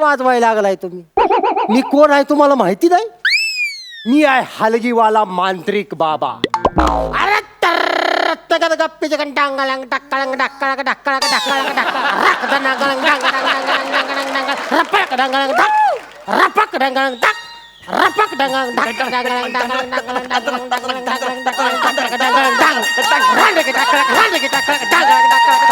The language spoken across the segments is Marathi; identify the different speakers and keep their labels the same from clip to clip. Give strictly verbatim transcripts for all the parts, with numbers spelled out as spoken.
Speaker 1: वाजवायला लागलाय तुम्ही? मी कोण आहे तुम्हाला माहिती नाही? मी आहे हलगीवाला मांत्रिक बाबा. अरे तर गप्पी जगन डांगळंग डक्कळंग डक्कळंग डक्कळंग डक्कळंग डक्कळंग डांगळंग डांगळंग डांगळंग डांगळंग डांगळंग रपक डांगळंग डक रपक डांगळंग डक रपक डांगळंग डक डांगळंग डांगळंग डांगळंग डांगळंग डांगळंग डांगळंग डांगळंग डांगळंग डांग रांड की डक्कळंग रांड की डक्कळंग डांगळंग डक्कळंग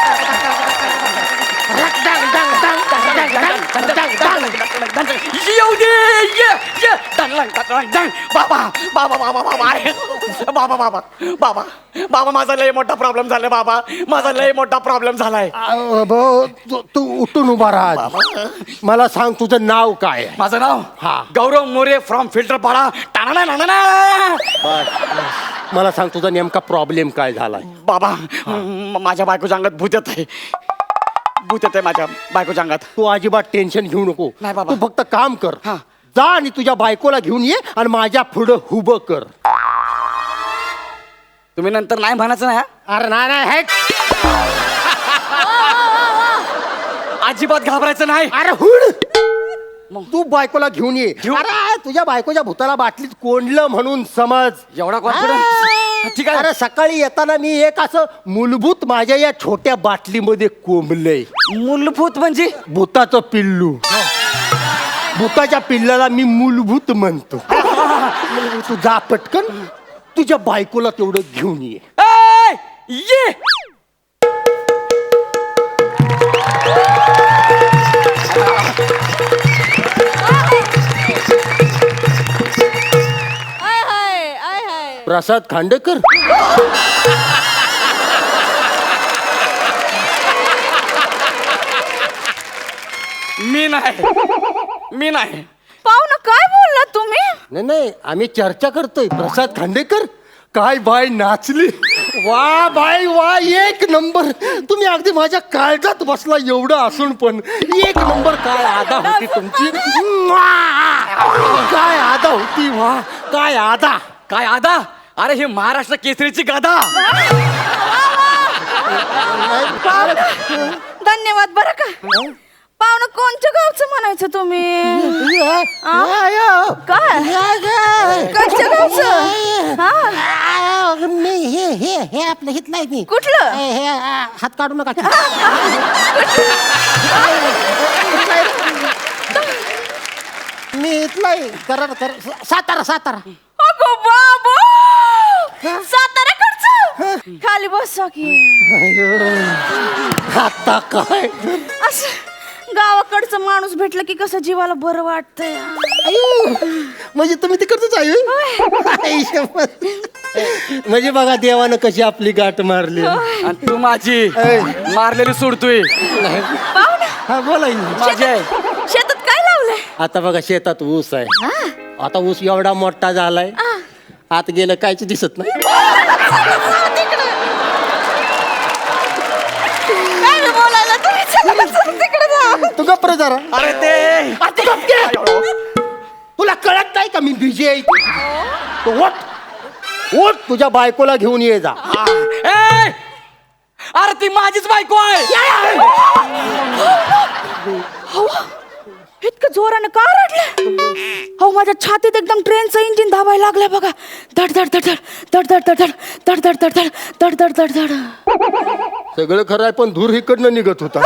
Speaker 2: बाबा बाबा बाबा बाबा बाबा बाबा बाबा बाबा माझा लय मोठा प्रॉब्लेम झालाय बाबा. माझा लय मोठा प्रॉब्लेम झालाय.
Speaker 1: भाऊ तू उठून उभा राहा. मला सांग तुझं नाव काय?
Speaker 2: माझं नाव
Speaker 1: हा
Speaker 2: गौरव मोरे फ्रॉम फिल्टर पाडा. टाणा ना ना.
Speaker 1: मला सांग तुझा नेमका प्रॉब्लेम काय झालाय?
Speaker 2: बाबा माझ्या बायकोच्या अंगात भूत येत आहे. भूत येत आहे माझ्या बायकोच्या अंगात.
Speaker 1: तू अजिबात टेन्शन घेऊ नको.
Speaker 2: नाही बाबा.
Speaker 1: तू फक्त काम कर.
Speaker 2: हा.
Speaker 1: जा आणि तुझ्या बायकोला घेऊन ये आणि माझ्या पुढं उभं कर.
Speaker 2: तुम्ही नंतर नाही म्हणायचं ना.
Speaker 1: अरे नाही नाही.
Speaker 2: अजिबात घाबरायचं नाही.
Speaker 1: अरे हुड तू बायकोला घेऊन ये. अरे तुझ्या बायकोच्या भूताला बाटलीत कोंडलं म्हणून समज.
Speaker 2: एवढा कॉन्फिडन्स? ठीक आहे.
Speaker 1: अरे सकाळी येताना मी एक असं मूलभूत माझ्या या छोट्या बाटलीमध्ये कोंबलंय.
Speaker 2: मूलभूत म्हणजे?
Speaker 1: भूताचं पिल्लू. भूताच्या पिल्लाला मी मूलभूत म्हणतो. तू जा पटकन तुझ्या बायकोला तेवढं घेऊन ये.
Speaker 2: ए, ये
Speaker 1: प्रसाद खांडेकर.
Speaker 2: मी नाही. मी नाही.
Speaker 3: पाहुणं काय बोलला तुम्ही?
Speaker 1: नाही नाही आम्ही चर्चा करतोय. प्रसाद खांडेकर काय बाय नाचली. वा बाय वा एक नंबर. तुम्ही अगदी माझ्या काळजात बसला एवढं असून पण एक नंबर. काय आदा होती तुमची. काय आदा होती. वा काय आदा.
Speaker 2: काय आदा? अरे हे महाराष्ट्र केसरीची गादा.
Speaker 3: धन्यवाद बरं का. पाहुणं कोणत्या गावचं म्हणायचं तुम्ही? काय कोणत्या गावचं? हा
Speaker 1: मी हे हे हे आपलं हितलं आहे. मी
Speaker 3: कुठलं?
Speaker 1: हे हात काढू नका. मी इथलं आहे. कराड कर सातारा सातारा.
Speaker 3: अगो बाबू साताऱ्याकडचं. खाली बसा की.
Speaker 1: आता काय
Speaker 3: असं गावाकडचं माणूस भेटलं की कसं जीवाला बरं वाटतंय.
Speaker 1: म्हणजे तुम्ही तिकडच आहे. म्हणजे बघा देवानं कशी आपली गाठ मारली.
Speaker 2: आणि तू माझी मारलेली सोडतोय.
Speaker 1: हा बोला.
Speaker 2: माझी आहे.
Speaker 3: शेतात काय लावलंय?
Speaker 1: आता बघा शेतात ऊस आहे. आता ऊस एवढा मोठा झालाय आत गेलं कायच दिसत नाही.
Speaker 3: काय बोलायला तुम्ही? तिकडे जा.
Speaker 1: तू गप्प रे जरा.
Speaker 2: अरे ते
Speaker 1: तुला कळत नाही का मी बिझी आहे. तू उठ उठ तुझ्या बायकोला घेऊन ये जा.
Speaker 2: ए, अरे ती माझीच बायको आहे.
Speaker 3: इतकं जोरानं का रडलं? हो माझ्या छातीत एकदम ट्रेनचं इंजिन धावायला लागलं बघा. धड धड धड धड धड धड धड धड धड धड धड धड धड धड.
Speaker 1: सगळं खरं आहे पण धूर इकडनं निघत होता.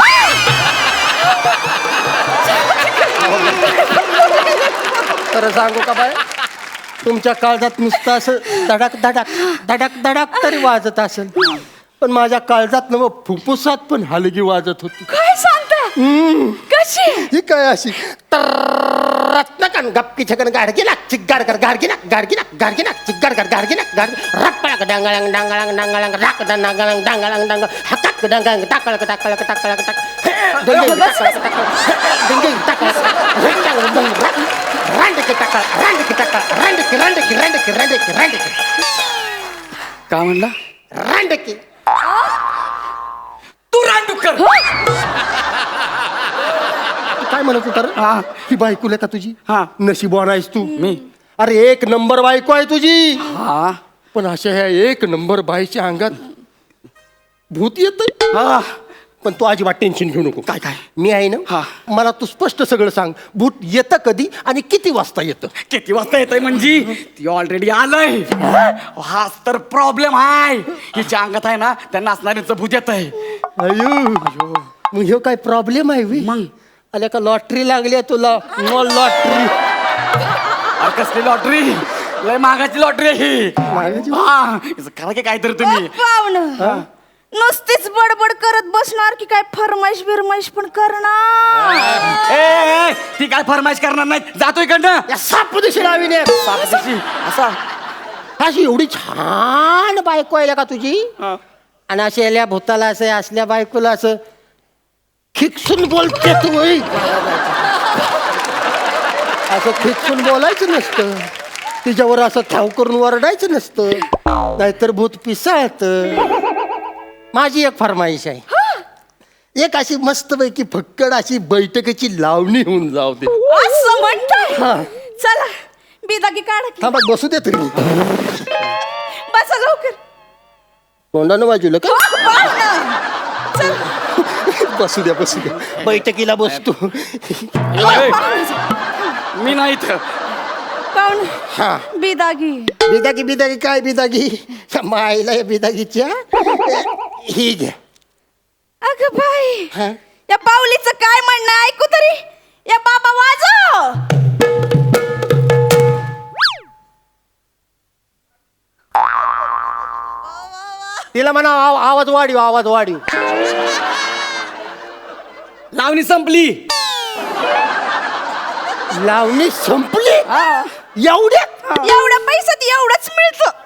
Speaker 1: खरं सांगू का बाय तुमच्या काळजात नुसतं असं धडक धडक धडक धडक तरी वाजत असेल पण माझ्या काळजात न फुफ्फुसात पण हलगी वाजत होती.
Speaker 3: काय सांगता? कशी?
Speaker 1: ही काय अशी रत्नकन गप्पी छकन गाडगी ना चिग्गाड कर गाडगी ना गाडगी ना गाडगी ना चिग्गाड कर गाडगी ना गाड रप्पळक डांगळंग डांगळंग डांगळंग राक डांगळंग डांगळंग डांग हकक डांगळंग टाकळक टाकळक टाकळक टाक डिंग डिंग टाकळक डिंग रांड की टाकळ रांड की टाकळ रांड की रांड की रांड की रांड की रांड की
Speaker 2: काय म्हणला?
Speaker 1: रांड की
Speaker 2: तू रांडूकर.
Speaker 1: काय म्हणत होता रे?
Speaker 2: हा
Speaker 1: ही बायको आहे का तुझी?
Speaker 2: हा.
Speaker 1: नशीबवान आहेस तू.
Speaker 2: मी
Speaker 1: अरे एक नंबर बायको आहे तुझी.
Speaker 2: हा
Speaker 1: पण अशा ह्या एक नंबर बाईच्या अंगात भूत येत.
Speaker 2: हा
Speaker 1: पण तू अजिबात टेन्शन घेऊ नको.
Speaker 2: काय काय
Speaker 1: मी आहे ना.
Speaker 2: हा.
Speaker 1: मला तू स्पष्ट सगळं सांग. भूत येतं कधी आणि किती वाजता येतं?
Speaker 2: किती वाजता येतंय म्हणजे ती ऑलरेडी आलंय. हाच तर प्रॉब्लेम आहे. हिच्या अंगात आहे ना त्या नाचणाऱ्यांचं भूत येत आहे.
Speaker 1: अयो मग ह्यो काय प्रॉब्लेम आहे बे?
Speaker 2: मग
Speaker 1: आल्या का लॉटरी लागली आहे तुला? मग लॉटरी
Speaker 2: कसली लॉटरी? लय महागाची लॉटरी आहे ही.
Speaker 1: महागाची?
Speaker 2: हा हिचं करा की काहीतरी तुम्ही.
Speaker 3: पाहुणं नुसतीच बडबड करत बसणार की काय फरमाईश बिरमाईश पण करणार?
Speaker 2: ए, ए, ती काय फरमाईश करणार नाही. जातो इकडनं.
Speaker 1: या साप दिशी लावीने
Speaker 2: सापशीची. असा
Speaker 1: अशी एवढी छान बायको आहे का तुझी?
Speaker 2: हा.
Speaker 1: आणि अशी आल्या भूताला असं असल्या बायकोला असं खिकसून बोलते तू होय. असं खिकसून बोलायचं नसतं. तिच्यावर असं ठाव करून वरडायचं नसतं, नाहीतर भूत पिसाळत. माझी एक फरमाईश आहे. एक अशी मस्तपैकी फक्कड अशी बैठकीची लावणी होऊन जाऊ दे.
Speaker 3: असं म्हणताय?
Speaker 1: हा.
Speaker 3: चला बिदागी काढा की.
Speaker 1: थांबा बसू दे तरी.
Speaker 3: बसा लवकर.
Speaker 1: तोंडानं बाजूला का?
Speaker 3: हो, पाहुणं. चला.
Speaker 1: बसू द्या बसू द्या. बैठकीला बसतो.
Speaker 2: ए, मी नाही इथं.
Speaker 3: पाहुणं
Speaker 1: हा.
Speaker 3: बिदागी.
Speaker 1: बिदागी बिदागी काय बिदागी? मायला या बिदागीच्या ही घ्या.
Speaker 3: अगं बाई
Speaker 1: हा?
Speaker 3: या पाऊलीचं काय म्हणणं आहे? ऐकू तरी. या बाबा वाजव.
Speaker 1: तिला म्हणा आव- आवाज वाढीव आवाज वाढीव.
Speaker 2: लावणी संपली.
Speaker 1: लावणी संपली एवढ्यात?
Speaker 3: एवढ्या पैशात एवढंच मिळतं.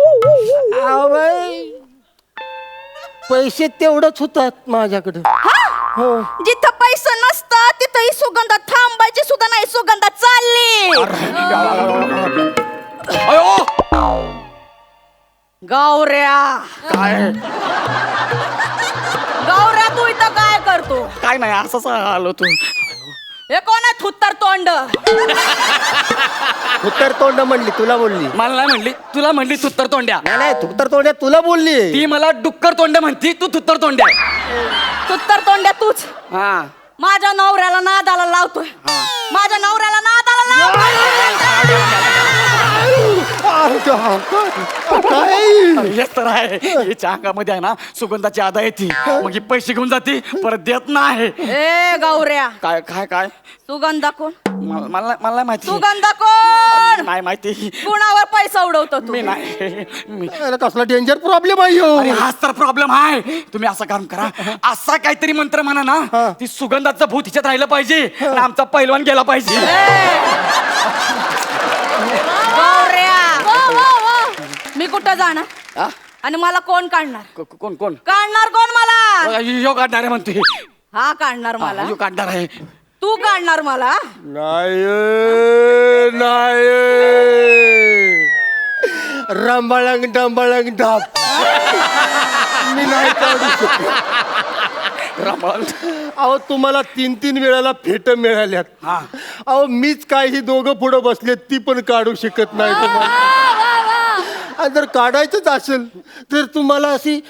Speaker 1: आवय, पैसे तेवढंच होतात माझ्याकडे. हो.
Speaker 3: जिथं पैसा नसता तिथं ही सुगंधा थांबायची सुद्धा नाही. सुगंधा चालली.
Speaker 2: अयो
Speaker 3: गौऱ्या
Speaker 2: काय
Speaker 3: गौऱ्या तू इथं काय करतो?
Speaker 2: काय नाही असंच आलो तू.
Speaker 3: हे कोण आहे थुत्तर तोंड?
Speaker 1: उत्तर तोंड म्हणली तुला बोलली?
Speaker 2: मला नाही म्हणली, तुला म्हणली तुत्तर तोंड्या.
Speaker 1: नाही नाही उत्तर तोंड तुला बोलली.
Speaker 2: ती मला डुक्कर तोंड्या म्हणती, तू तुत्तर तोंड्या.
Speaker 3: थुत्तर तोंड्या तूच.
Speaker 2: हा
Speaker 3: माझ्या नवऱ्याला नादाला लावतोय. माझ्या नवऱ्याला नादाला लावतोय.
Speaker 1: काय
Speaker 2: हेच तर आहे. हिच्या अंगामध्ये आहे ना सुगंधाची आदा येते. मग ही पैसे घेऊन जाते, परत देत नाही.
Speaker 3: ए गौऱ्या
Speaker 2: काय काय काय
Speaker 3: सुगंधा कोण?
Speaker 2: मला मला मला नाही माहिती.
Speaker 3: सुगंधा कोण?
Speaker 2: नाही माहिती.
Speaker 3: कुणावर पैसा उडवतो तू?
Speaker 2: मी नाही मी
Speaker 1: अरे कसला डेंजर प्रॉब्लेम आहे ह्यो.
Speaker 2: अरे हाच तर प्रॉब्लेम आहे. तुम्ही असं काम करा, असा काहीतरी मंत्र म्हणा ना, ती सुगंधाचं भूत हिच्यात राहिलं पाहिजे आणि आमचा पैलवान गेला पाहिजे.
Speaker 3: गौऱ्या मी कुठं जाणार
Speaker 2: हा?
Speaker 3: आणि मला कोण काढणार?
Speaker 2: को- को- कोण कोण
Speaker 3: काढणार कोण मला?
Speaker 2: यो काढणार आहे म्हणते.
Speaker 3: हा काढणार मला.
Speaker 2: यो काढणार आहे.
Speaker 3: तू काढणार मला?
Speaker 1: नाही नाही रंबाळंग डंबाळंग डाब. मी नाही काढू शकत.
Speaker 2: रमण.
Speaker 1: अहो तुम्हाला तीन तीन वेळाला फेट मिळाल्यात.
Speaker 2: हा.
Speaker 1: अहो मीच काय ही दोघं पुढं बसलेत ती पण काढू शकत नाही तुम्हाला. आणि जर काढायचंच असेल तर तुम्हाला अशी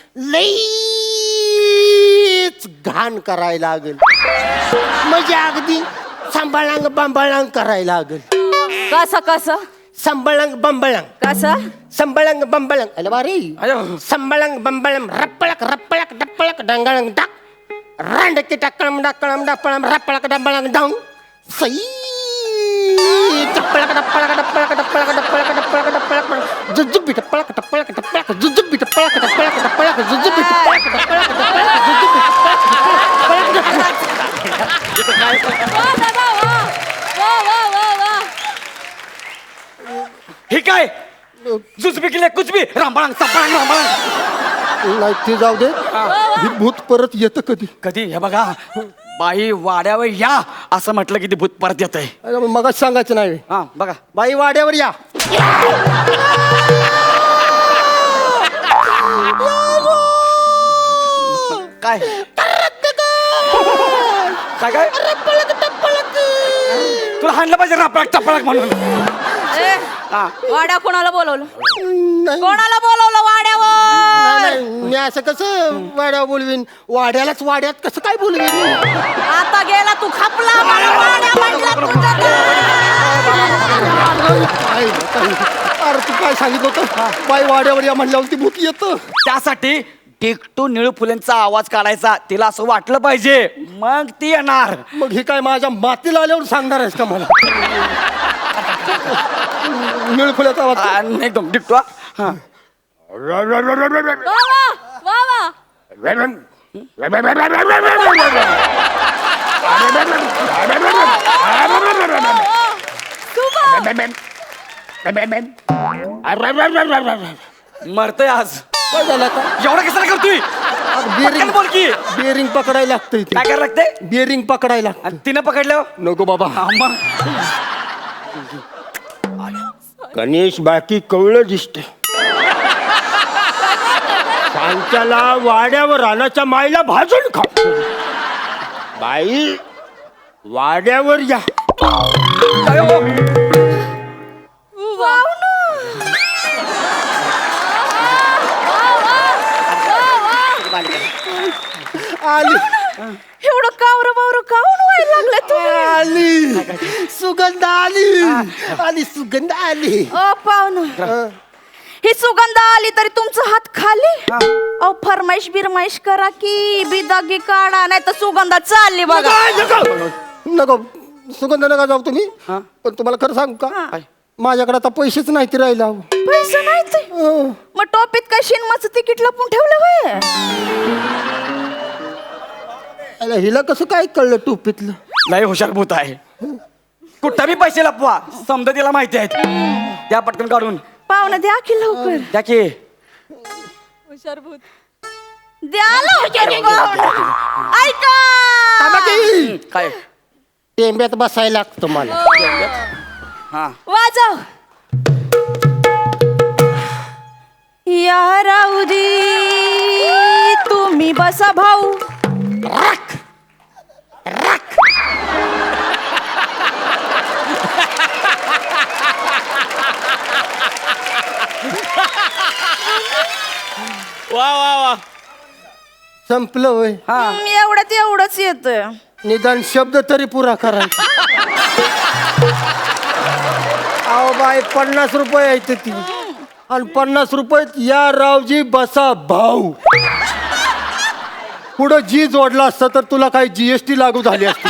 Speaker 1: लईच घाण करायला लागेल. म्हणजे अगदी सांभाळांग बांबाळांग करायला लागेल.
Speaker 3: कसं कसं?
Speaker 1: संबळंग बंबळंग
Speaker 3: कसं?
Speaker 1: संबळंग बंबळंग. अरे बारी
Speaker 2: अयो.
Speaker 1: संबळंग बंबळम रप्पळक रप्पळक डप्पळक डंगळंग डाक रांडकी टक्कळम डक्कळम डप्पळम रप्पळक डंबळंग डांग सई टप्पळक डप्पळक डप्पळक डप्पळक डप्पळक डप्पळक डप्पळक जुजुबी टप्पळक टप्पळक टप्पळक जुजुबी टप्पळक टप्पळक टप्पळक जुजुबी टप्पळक टप्पळक टप्पळक जुजुबी टप्पळक
Speaker 2: हे काय जुजबी केले कुचबी रामबाळांग संपाळांग रामबाळांग.
Speaker 1: नाही ते जाऊ दे. ही भूत परत येतं कधी?
Speaker 2: कधी हे बघा, बाई वाड्यावर या असं म्हटलं की ते भूत परत येत आहे.
Speaker 1: मग सांगायचं नाही.
Speaker 2: हा बघा.
Speaker 1: बाई वाड्यावर या.
Speaker 2: काय काय काय तुला हाणलं पाहिजे रापळक टपळक म्हणून.
Speaker 3: ए,
Speaker 2: हा.
Speaker 3: वाड्या कोणाला बोलवलं?
Speaker 1: नाही
Speaker 3: कोणाला बोलवलं वाड्यावर?
Speaker 1: नाही, मी असं कसं वाड्या बोलवीन वाड्यालाच वाड्यात कसं काय बोलवीन
Speaker 3: आता गेला तू खापला मला वाड्या म्हणला तुझा
Speaker 1: काय काय- अरे तू काय सांगितलं होतं बाई वाड्यावर या म्हणल्यावर ती भूत येतं
Speaker 2: त्यासाठी टिकटू निळू फुलेंचा आवाज काढायचा तिला असं वाटलं पाहिजे मग ती येणार.
Speaker 1: मग हे काय माझ्या मातीला आल्यावर सांगणार आहेस का मला निळफुल्याचा आवाज
Speaker 2: आ, एकदम टिकटू हा. हा.
Speaker 3: वा वा वा वा
Speaker 2: मरतय आज
Speaker 1: काय झालं आता
Speaker 2: एवढा कशाला करतोय
Speaker 1: बेरिंग
Speaker 2: पटकन बोल की
Speaker 1: बेरिंग पकडायला लागतंय ते
Speaker 2: काय करायला लागतंय
Speaker 1: बेरिंग पकडायला लागतं.
Speaker 2: आणि तिनं पकडलं
Speaker 1: नको बाबा
Speaker 2: हा, मग.
Speaker 1: गणेश बाकी कवळं दिसते सांच्याला वाड्यावर रानाच्या माईला भाजून खा बाई वाड्यावर या
Speaker 2: काय हो?
Speaker 3: वाव ना.
Speaker 1: आली
Speaker 3: एवढं कावर बावर काऊन व्हायला लागलं तुम्ही
Speaker 1: आली सुगंध आली आली सुगंध आली
Speaker 3: ओ पाहुणं ही सुगंध आली तरी तुमचा हात खाली अहो फरमाईश बिरमाईश करा की बिदागी काढा नाही तर सुगंधा चालली बघा
Speaker 1: नको नको सुगंध नका जाऊ तुम्ही पण तुम्हाला खरं सांगू का
Speaker 3: हा.
Speaker 1: माझ्याकडे आता पैसेच नाही ते राहिला
Speaker 3: पैसे नाही ते मग टोपीत काय शिनमाचं तिकीट लपून ठेवलं होय
Speaker 1: अरे हिला कसं काय कळलं टोपीतलं
Speaker 2: लय हुशार भूत आहे कुठं बी पैसे लपवा समजा तिला माहिती आहेत त्या पटकन काढून
Speaker 3: पाहुणं द्या की लवकर
Speaker 2: त्या की
Speaker 3: द्या लवकर पाहुणं ऐका
Speaker 1: ताबाकी.
Speaker 2: काय
Speaker 1: टेंब्यात बसायला लागतं मला
Speaker 2: हा
Speaker 3: वाजव या राऊदी तुम्ही बसा भाऊ
Speaker 2: वा वा वा
Speaker 1: संपलं होय
Speaker 2: हा
Speaker 3: हम्म, एवढ्यात एवढंच येत
Speaker 1: निदान शब्द तरी पुरा करायचा अहो बाई पन्नास रुपये आहेत ती आणि पन्नास रुपयात या रावजी बसा भाऊ पुढं जी जोडला असतं तर तुला काही जीएसटी लागू झाली असती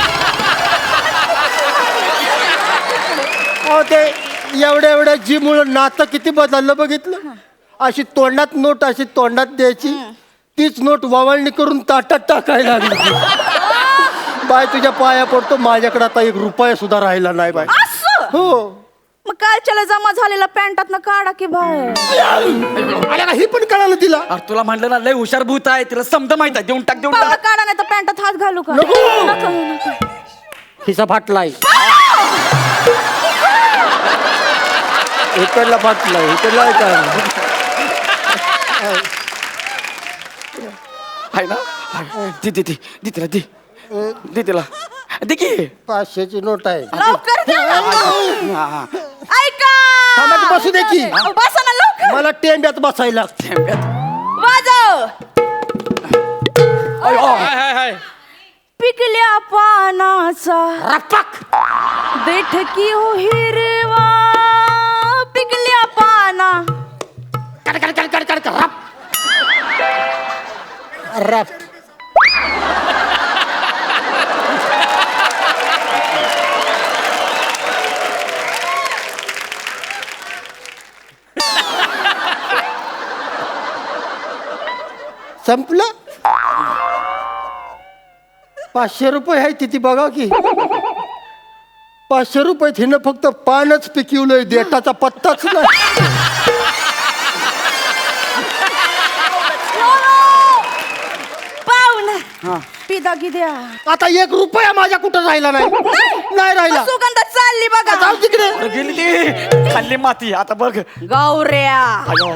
Speaker 1: अहो ते एवढ्या एवढ्या जी मुळे नातं किती बदललं बघितलं अशी तोंडात नोट अशी तोंडात द्यायची तीच नोट वावळणी करून ताटात टाकायला लागली बाय तुझ्या पाया पडतो माझ्याकडे आता एक रुपया सुद्धा राहिला नाही बाय
Speaker 3: असं
Speaker 1: हो
Speaker 3: मग कालच्याला जमा झालेला पॅन्टात ना काढा की बाहेर
Speaker 1: आल्या का ही पण कळालं तिला
Speaker 2: अरे तुला म्हणलं ना लय हुशार भूत आहे तिला समजा माहित आहे देऊन टाक देऊन
Speaker 3: पाहुणं
Speaker 2: टाक
Speaker 3: काढा नाही तर पॅन्टात हात घालू का
Speaker 1: नको.
Speaker 3: नको, नको.
Speaker 1: खिसा फाटलाय इकडला फाटलाय इकडला काय
Speaker 2: आहे ना दे दे दे दे तिला दे दे तिला दे की
Speaker 1: पाचशेची नोट आहे
Speaker 3: लवकर द्या ना.
Speaker 2: हा, हा.
Speaker 3: ऐका
Speaker 1: थांबा की बसू दे की.
Speaker 3: अहो, बसा ना लवकर
Speaker 1: मला टेंब्यात बसायला लागतं.
Speaker 2: थेंब्यात.
Speaker 3: वाजव
Speaker 2: अय, अय.
Speaker 3: पिकल्या पानाचा
Speaker 1: रपक
Speaker 3: बैठकी हो हिरवा पिकल्या पाना
Speaker 1: कड कड कड कड कड कड रप रप संपलं पाचशे रुपये आहे तिथे बघा की पाचशे रुपये हिनं फक्त पानच पिकवलंय देठाचा पत्ताच नाही
Speaker 3: पाहुणा पिदागी द्या
Speaker 1: आता एक रुपया माझ्या कुठं राहिला नाही नाही राहिला
Speaker 3: सुगंध चालली बघा
Speaker 1: जाऊ तिकडे
Speaker 2: अरे गेली ती खाल्ली माती आता बघ
Speaker 3: गौऱ्या
Speaker 2: अयो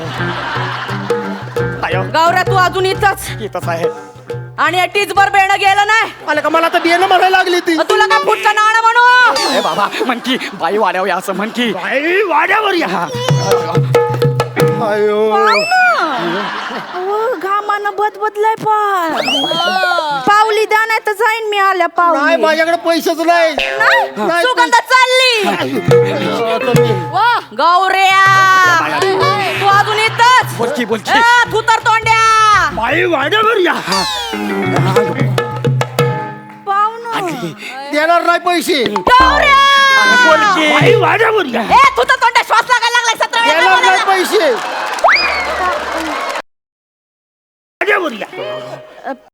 Speaker 2: अयो
Speaker 3: गौऱ्या तू अजून इथंच
Speaker 2: येतच आहे
Speaker 3: आणि टीचभर बेणं गेलं नाही
Speaker 1: आलं का मला तर बियाणं म्हणायला लागली ती
Speaker 3: मग तुला का फुटका नाणं म्हणू
Speaker 2: ए बाबा म्हण की बाई वाड्यावर या असं म्हण की
Speaker 1: बाई, वाड्यावर या
Speaker 2: हा.
Speaker 1: अयो
Speaker 3: अहो, घामानं बदबदलाय पण पावली द्या नाही तर जाईन मी आल्या
Speaker 1: नाही
Speaker 3: पावली
Speaker 1: माझ्याकडे पैसेच नाही
Speaker 3: नाही?
Speaker 1: नाही,
Speaker 3: सुगंध चालली वा गौऱ्या तू अजून येतच
Speaker 2: बोलकी बोलकी
Speaker 3: तू तर तोंड्या
Speaker 1: बाई वाड्यावर या
Speaker 3: पाहुणं
Speaker 1: देणार नाही पैसे
Speaker 3: गौऱ्या
Speaker 2: बोलकी
Speaker 1: बाई वाड्यावर या
Speaker 3: ए तू तर तोंड्या श्वास लागायला लागलाय सतरा वेळा
Speaker 1: देणार नाही
Speaker 3: बोलायला.
Speaker 1: पैसे वाड्यावर या